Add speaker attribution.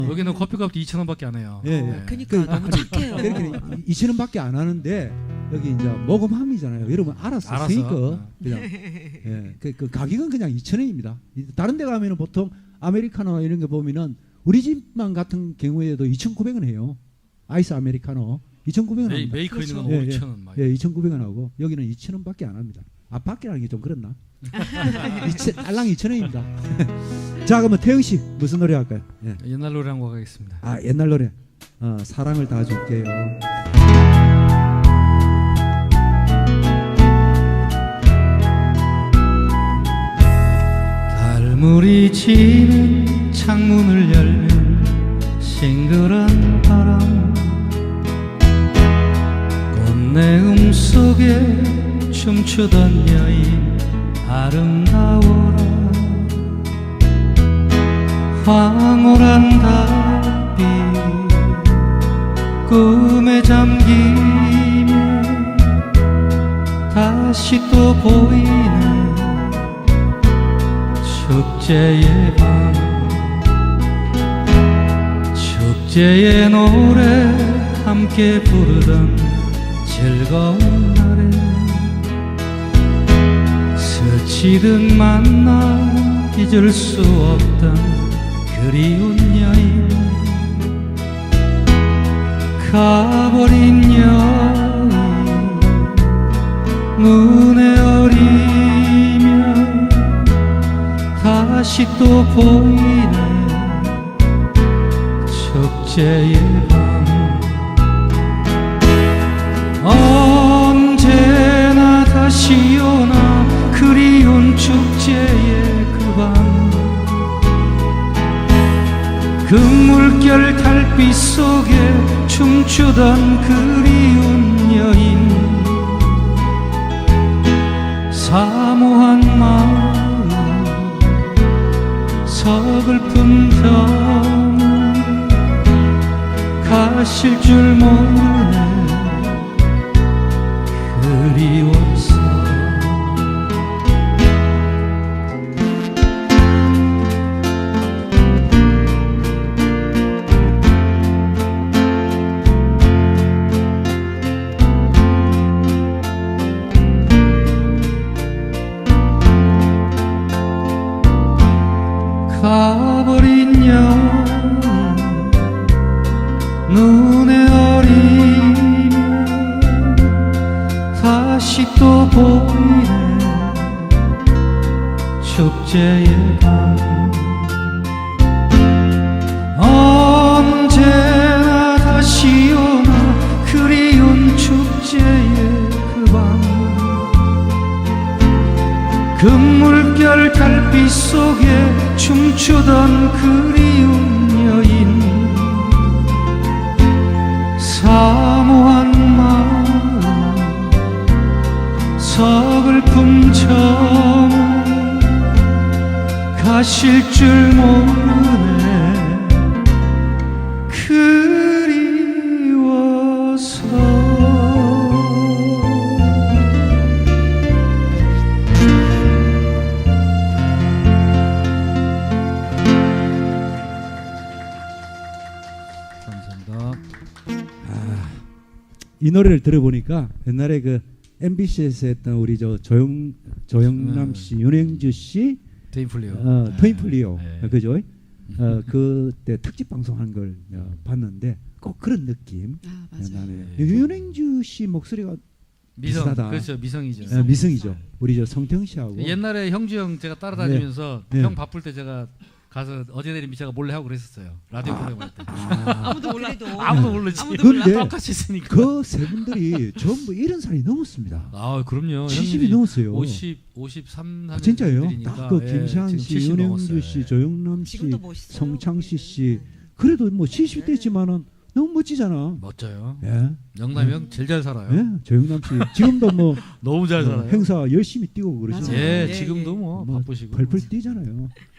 Speaker 1: 여기는 커피값도 2,000원밖에 안 해요.
Speaker 2: 예, 예.
Speaker 1: 네.
Speaker 3: 그러니까 너무 착해요.
Speaker 2: 이렇게 2,000원밖에 안 하는데 여기 이제 모금함이잖아요. 여러분 알았으니까 그냥 예, 그 가격은 그냥 2,000원입니다. 다른 데 가면은 보통 아메리카노 이런 거 보면은 우리 집만 같은 경우에도 2,900원 해요. 아이스 아메리카노 2,900원 합니다.
Speaker 1: 메이커 있는 건
Speaker 2: 예,
Speaker 1: 5,000원 막.
Speaker 2: 예, 2,900원 하고 여기는 2,000원밖에 안 합니다. 아 밖이라는 게 좀 그렇나? 알랑 2,000원입니다. 자 그러면 태영 씨 무슨 노래 할까요? 예.
Speaker 1: 옛날 노래 한곡 하겠습니다.
Speaker 2: 아 옛날 노래 사랑을 다 줄게요.
Speaker 1: 달물이 지는 창문을 열면 싱그런 바람 꽃내음 속에 춤추던 여인 아름다워라 황홀한 달빛 꿈에 잠기며 다시 또 보이는 축제의 밤 축제의 노래 함께 부르던 즐거운 날에 스치듯 만나 잊을 수 없던 그리운 여인 가버린 여인 눈에 어리며 다시 또 보이는 축제의 밤 언제나 다시 오나 그리운 축제의 그 밤 그 물결 달빛 속에 춤추던 그리운 여인 사모한 마음 서글픈 병 가실 줄 모르네 그리워서 가버린 여인 눈에 어리며 다시 또 보이는 축제의 밤 언제나 다시 오나 그리운 축제의 그 밤 그 물결 달빛 속에 춤추던 그리운 여인 사모한 마음 서글픔 점 가실 줄 모르네 그리워서
Speaker 2: 이 노래를 들어보니까 옛날에 그 MBC에서 했던 우리 저 조영남 씨, 윤행주 씨,
Speaker 1: 트윈플리오
Speaker 2: 트윈플리오,
Speaker 1: 네.
Speaker 2: 그죠? 그때 특집 방송한 걸 봤는데 꼭 그런 느낌.
Speaker 3: 아 맞아요.
Speaker 2: 나네.
Speaker 1: 네.
Speaker 2: 윤행주 씨 목소리가
Speaker 1: 미성
Speaker 2: 비슷하다.
Speaker 1: 그렇죠 미성이죠.
Speaker 2: 미성이죠. 우리 저 성태형 씨하고.
Speaker 1: 옛날에 형주 형 제가 따라다니면서
Speaker 2: 네.
Speaker 1: 형 바쁠 때 제가 가서 어제 내린 미샤가 몰래 하고 그랬었어요. 라디오 프로그램 할 때.
Speaker 3: 아무도 몰라도
Speaker 1: 아무도 모르지.
Speaker 3: 아무도
Speaker 2: 근데
Speaker 1: 똑같이 있으니까.
Speaker 2: 그 세 분들이 전부 70살이 넘었습니다.
Speaker 1: 아 그럼요.
Speaker 2: 70이 넘었어요.
Speaker 1: 53
Speaker 2: 아, 진짜요?
Speaker 1: 들이니까.
Speaker 2: 딱 그
Speaker 1: 예,
Speaker 2: 김시한
Speaker 1: 지금
Speaker 2: 씨,
Speaker 1: 70
Speaker 2: 윤행주
Speaker 1: 넘었어요.
Speaker 2: 씨, 조영남 씨,
Speaker 3: 지금도 멋있어요.
Speaker 2: 성창시 씨. 그래도 뭐 70대지만은 너무 멋지잖아.
Speaker 1: 멋져요.
Speaker 2: 예.
Speaker 1: 영남이 형 제일 잘 살아요.
Speaker 2: 예, 조영남 씨 지금도 뭐
Speaker 1: 너무 잘 살아요.
Speaker 2: 행사 열심히 뛰고 그러시죠.
Speaker 3: 맞아요.
Speaker 1: 예,
Speaker 3: 예,
Speaker 1: 지금도 뭐
Speaker 2: 뭐
Speaker 1: 바쁘시고.
Speaker 2: 펄펄 뛰잖아요.